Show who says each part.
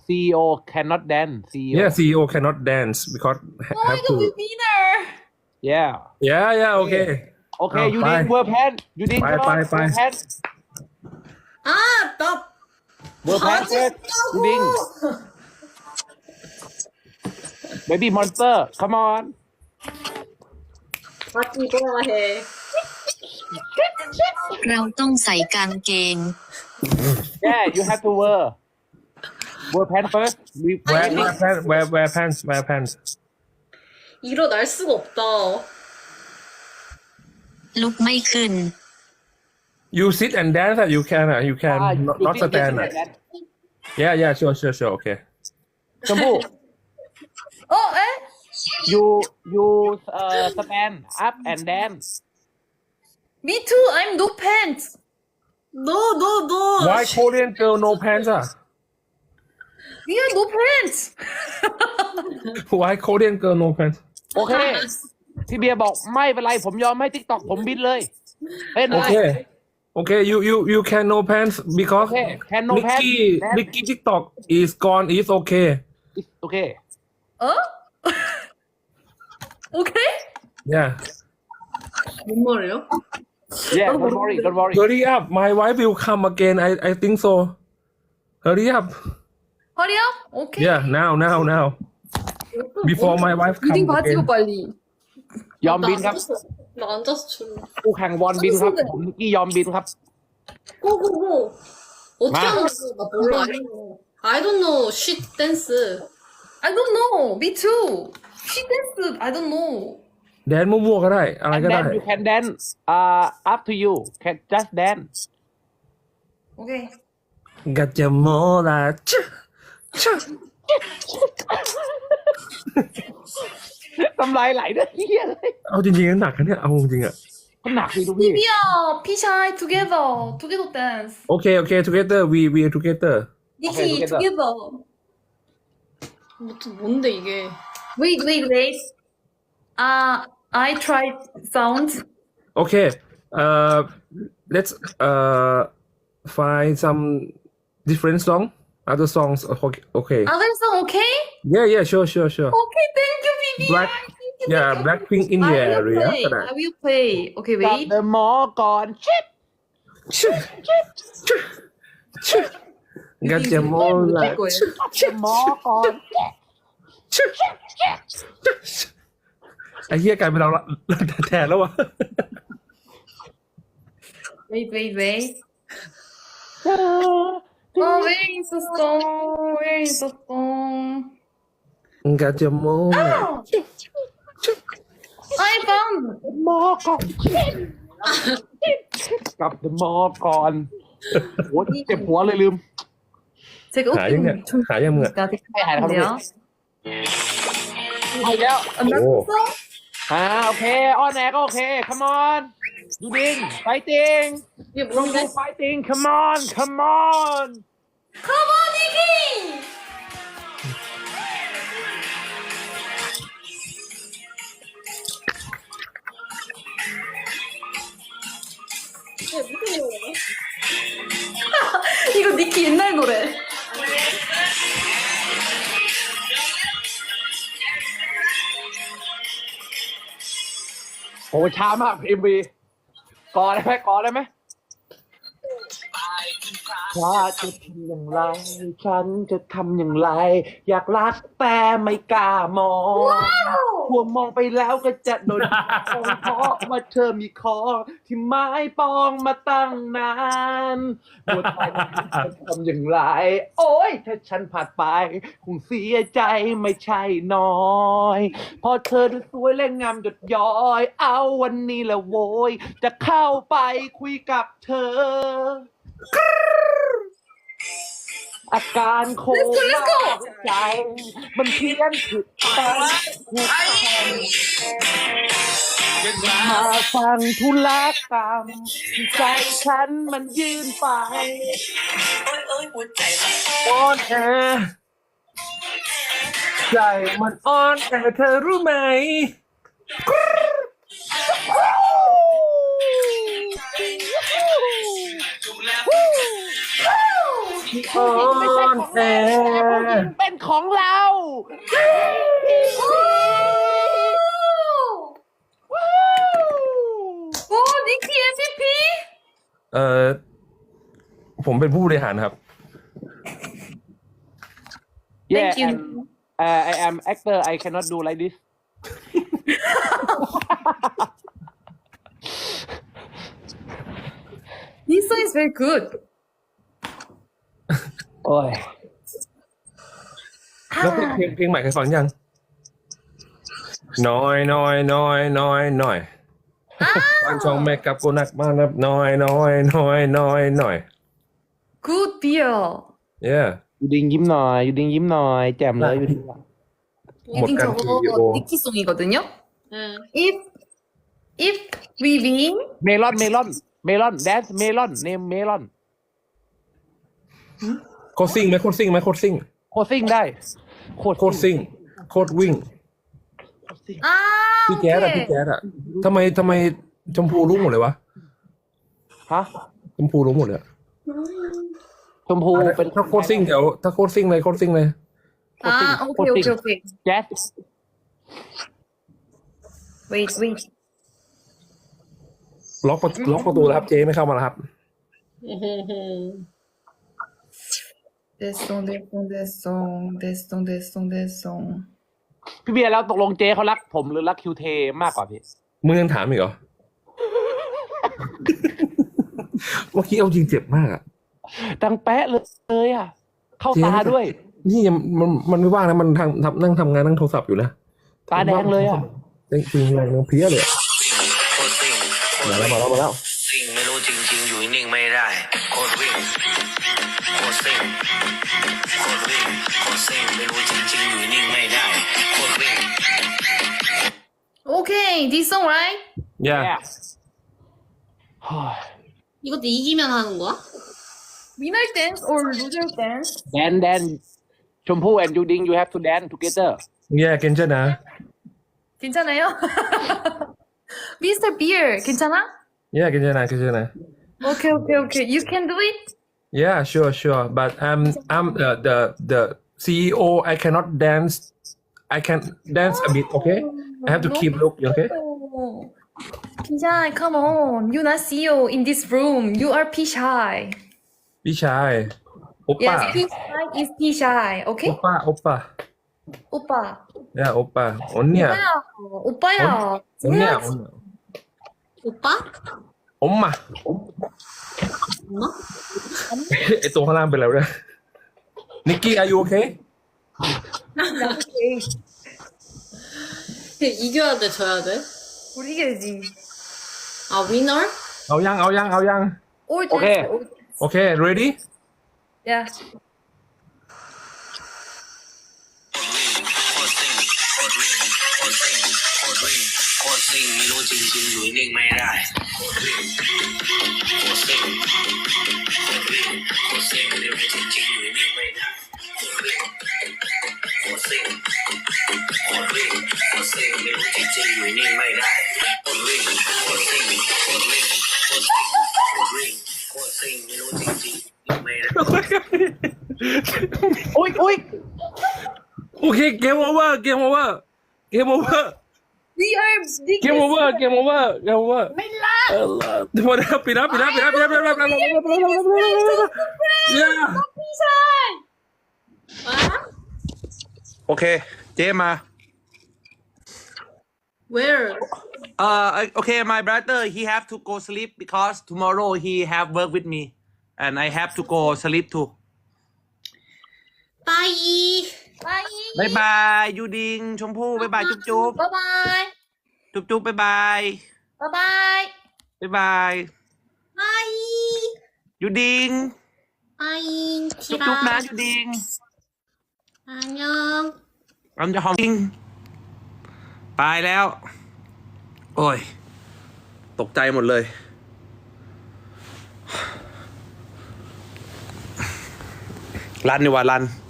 Speaker 1: CEO cannot dance CEO
Speaker 2: Yeah, CEO cannot dance because
Speaker 3: Oh my
Speaker 2: have
Speaker 3: god,
Speaker 2: to.
Speaker 3: we winner.
Speaker 1: yeah
Speaker 2: Yeah, okay.
Speaker 1: โอเค
Speaker 2: เอา
Speaker 1: ยู
Speaker 2: ไป
Speaker 1: ดิงเวอร์แพนยูดิง
Speaker 2: ไป
Speaker 1: come on
Speaker 2: ไป
Speaker 1: เวอร์แพน
Speaker 3: 아, 나
Speaker 1: เวอร์แพนเฟิร์สยูดิง baby monster come on
Speaker 3: 바지 입어야 해.
Speaker 4: เราต้องใส่กางเกง
Speaker 1: yeah you have to wear pan first we
Speaker 2: Wear pants.
Speaker 3: 일어날 수가 없다.
Speaker 4: ลุกไม่ขึ้น
Speaker 2: You sit and dance. You can. You can not stand. Yeah, sure. Okay.
Speaker 1: ชมพู่
Speaker 3: 에?
Speaker 1: you stand up and dance
Speaker 3: Me too. I'm no pants. No.
Speaker 2: Why Korean girl no pants?
Speaker 3: We are no pants.
Speaker 2: Why Korean girl no pants?
Speaker 1: โอเค พี่เบียร์บอกไม่เป็นไรผมยอมให้ TikTok ผมบินเลยเล่นเลย
Speaker 2: Okay. You can no pants because
Speaker 1: Okay, can no pants.
Speaker 2: Nicky TikTok is gone. Is okay.
Speaker 1: โอเค
Speaker 3: 어? 오케이?
Speaker 2: Yeah.
Speaker 3: 뭔 말이에요?
Speaker 1: yeah don't worry
Speaker 2: Hurry up. My wife will come again. I think so. Hurry up.
Speaker 3: 허리 업? 오케이.
Speaker 2: Yeah. Now. Before my wife come
Speaker 3: 유딩 바지
Speaker 2: again.
Speaker 3: 입어 빨리.
Speaker 1: ยอมบินครับ
Speaker 3: 나 앉아서 줄래.
Speaker 1: คู่แข่งบอลบินครับผมนิกกี้ยอมบินครับ
Speaker 3: 고고고. 어떻게
Speaker 1: 마.
Speaker 3: 하는 거야? 나 몰라. I don't know. shit dance. I don't know. Me too. She dance. I don't know.
Speaker 2: แดนมั่วๆก็ได้ อะไร
Speaker 1: and
Speaker 2: ก็ได้
Speaker 1: then you can dance up to you can just dance
Speaker 3: 오케이.
Speaker 2: กัจจโมลาชะชะ
Speaker 1: ทำลายไหลด้วยเฮียเลย
Speaker 2: เอาจริงๆหนักนะเนี่ย เอาจริงๆอ่ะ
Speaker 1: มันหนักสิทุกพี่
Speaker 3: 비비야, 피샤이 together dance.
Speaker 2: Okay, together. We are together.
Speaker 3: 니키
Speaker 1: together.
Speaker 3: together. 뭔데 이게? Wait. I tried sound.
Speaker 2: Okay. Let's find some different song. Other songs. Okay.
Speaker 3: Other song okay?
Speaker 2: Yeah. Sure.
Speaker 3: Okay, thank you, 비비.
Speaker 2: Black. Yeah, Blackpink in the area. ก็ได้
Speaker 3: I will play. Okay,
Speaker 1: กับ
Speaker 3: wait.
Speaker 1: เดอะมอก่อนชิป
Speaker 2: ชะชะชะกัจจโมลาชะ
Speaker 1: เดอะมอก่อน
Speaker 2: ชะไอ้เหี้ยกลายเป็นเราละแทนแล้ววะ
Speaker 3: Wait. Oh, where is the song?
Speaker 2: กัจจโมลา
Speaker 3: I found.
Speaker 1: มอก่อนกับเดอะมอก่อนโหเจ็บหัวเลยลืม
Speaker 3: 제가
Speaker 2: หายังเนี่ย
Speaker 3: 웃기는
Speaker 2: หายังเนี่ย
Speaker 1: ให้หายนะครับ
Speaker 3: 같은데요.
Speaker 1: ไปแล้ว
Speaker 3: 안났어?
Speaker 1: โอเคออนแอร์ก็โอเค come on ยูดิง fighting
Speaker 3: 이게
Speaker 1: don't
Speaker 3: 뭔데?
Speaker 1: do fighting come on
Speaker 3: Come on, 니키! 이거 니키 옛날 노래.
Speaker 1: โอ้ช้ามาก MV ก่อนได้ไหมถ้าจะทำอย่างไร ฉันจะทำอย่างไร อยากรักแต่ไม่กล้ามองกลัวมองไปแล้วก็จะโดนเพราะว่าเธอมีคอที่ไม้ปองมาตั้งนานปวดใจจะทำอย่างไร โอ้ยถ้าฉันผ่านไปคงเสียใจไม่ใช่น้อยพอเธอดูสวยและงามหยดย้อย เอาวันนี้แหละโวยจะเข้าไปคุยกับเธอ อาการโคม่าใจ มันเพี้ยนผิดไปถูกต้องมาฟังธุรกรรมใจฉันมันยื่นไปอ่อนแอใจมันอ่อนแอเธอรู้ไหม ที่ผู้หญิงไม่ใช่ของแม่ผู้หญิงเป็นของเรา
Speaker 3: 오, 니키 MVP?
Speaker 2: ผมเป็นผู้บริหารครับ
Speaker 1: Yeah,
Speaker 3: Thank you.
Speaker 1: and, I am actor. I cannot do like this.
Speaker 3: This song is very good.
Speaker 1: โอ้ย
Speaker 2: แล้วเพลงใหม่เคยฟังยังน้อยน้อยน้อยน้อยน้อยวันช่องแม่กับกูนักมานับน้อยน้อยน้อยน้อยน้อย
Speaker 3: Good beer.
Speaker 2: yeah
Speaker 1: ยูดิงยิ้มหน่อยยูดิงยิ้มหน่อยแจ่มเลยยูดิง
Speaker 3: 유딩
Speaker 2: 약간
Speaker 3: 저거
Speaker 2: 그리고-
Speaker 3: 니키송이거든요.
Speaker 5: 응.
Speaker 3: If we win,
Speaker 1: เมลอนเมลอนเมลอนแดนซ์เมลอนเนมเมลอน
Speaker 2: โคตรซิ่งไหมโคตรซิ่งไหมโคตรซิ่ง
Speaker 1: โคตรซิ่งได้โคตร
Speaker 2: โคตรซิ่งโคตรวิ่ง
Speaker 3: 아,
Speaker 2: พี่แจ๊ดอะพี่
Speaker 3: 오케이.
Speaker 2: แจ๊ดอะทำไมชมพูรู้หมดเลยวะ
Speaker 1: ฮะ
Speaker 2: ชมพูรู้หมดเลยอะ
Speaker 1: ชมพูเป็น
Speaker 2: ถ้าโคตรซิ่งเดี๋ยวถ้าโคตรซิ่งเลยโคตรซิ่งเลย
Speaker 3: 아, 오케이, 오케이, 오케이.
Speaker 1: แจ๊ส
Speaker 3: Wait.
Speaker 2: ล็อกประตูแล้วครับเจ๊ไม่เข้ามาแล้วครับ
Speaker 3: This song.
Speaker 1: พี่เบียร์แล้วตกลงเจ๊เขารักผมหรือรักคิวเทมากกว่าพี่
Speaker 2: มึงยังถามอีกเหรอ เมื่อกี้เอาจริงเจ็บมากอะ
Speaker 1: ดังแป๊ะเลยอ่ะ เข้าตาด้วย
Speaker 2: นี่ยังมันไม่ว่างนะมันนั่งทำงานนั่งโทรศัพท์อยู่นะ
Speaker 1: ตาแดงเลยอ่ะ
Speaker 2: จริงๆแรงเพลี้ยเลยอะ
Speaker 6: โคตรซิ่งโคตร
Speaker 2: มาแล้ว
Speaker 6: ซิ่งไม่รู้จริงๆอยู่นิ่งไม่ได้โคตรวิ่งโคตรซิ่งโคตรวิ่งโคตรซิ่งไม่รู้จริงๆอยู่นิ่งไม่ได้โคตรวิ่ง
Speaker 3: Okay, this song, right?
Speaker 2: อย่า
Speaker 5: 이것도 이기면 하는 거야?
Speaker 3: Winner dance or loser dance?
Speaker 1: แดนชมพู่ and ยูดิง you have to dance together
Speaker 2: แย่เกนเจนะ
Speaker 3: 괜찮아요? Mr. Beer, 괜찮아?
Speaker 2: แย่เกนเจนะ
Speaker 3: Okay. You can do it?
Speaker 2: yeah sure but I'm the CEO I cannot dance I can dance a bit okay I have to keep look okay
Speaker 3: Oh. Pishai, come on. You not CEO in this room. You are Pishai.
Speaker 2: พี่ชายโอป้า
Speaker 3: Yes, Pishai is Pishai.
Speaker 2: โอ
Speaker 3: Okay?
Speaker 2: ป้า
Speaker 3: 오빠.
Speaker 2: ย่าโอป้าอนเนี่ย
Speaker 3: 오빠야.
Speaker 2: อนเนี่ย
Speaker 5: 오빠?
Speaker 2: อมมา
Speaker 5: 엄마?
Speaker 2: ไอตัวข้างล่างเป็นอะไรวะเนี่ยนิกกี้ are you okay
Speaker 5: 이겨야 돼, 져야 돼?
Speaker 3: 우리 이겨야지.
Speaker 5: 아, 위너?
Speaker 2: เอายัง
Speaker 3: All
Speaker 1: Okay.
Speaker 3: dance.
Speaker 2: โอเค ready
Speaker 3: Yeah.
Speaker 6: โคตรซิ่งโคตรวิ่งโคตรซิ่งโคตรวิ่งโคตรซิ่งไม่รู้จริงๆอยู่นิ่งไม่ได้โคตรวิ่งโคตรซิ่งโคตรวิ่งโคตรซิ่งไม่รู้จริงๆอยู่นิ่งไม่ได้โคตรวิ่งโคตรซิ่งโคตรวิ่งโคตรซิ่งไม่รู้จริงๆอยู่นิ่งไม่ได้โคตรวิ่งโคตรซิ่งโคตรวิ่งโคตรซิ่งโคตรวิ่งโคตรซิ่งไม่รู้จริงๆอยู่ไม่ได้
Speaker 1: อุ้ย
Speaker 2: โอเคเกมโอเวอร์
Speaker 3: We are big.
Speaker 2: เกมโอเวอร์ไม่ล่ะปิดแล้วปิดแล้วโอเคเจมา
Speaker 5: Where?
Speaker 1: okay my brother he have to go sleep because tomorrow he have work with me and I have to go sleep too
Speaker 5: 빠이.
Speaker 1: บายบายยูดิงชมพู่บายบายจุ๊บจุ๊บ
Speaker 3: Bye-bye.
Speaker 1: จุ๊บจุ๊บบ๊ายบาย
Speaker 3: Bye-bye.
Speaker 1: บ๊ายบาย
Speaker 5: 빠이.
Speaker 1: ยูดิง
Speaker 5: 빠이.
Speaker 1: จุ๊บจุ๊บนะยูดิง
Speaker 5: 안녕.
Speaker 1: เราจะหอมจริงไปแล้ว โอ้ย ตกใจหมดเลย รันดีกว่ารัน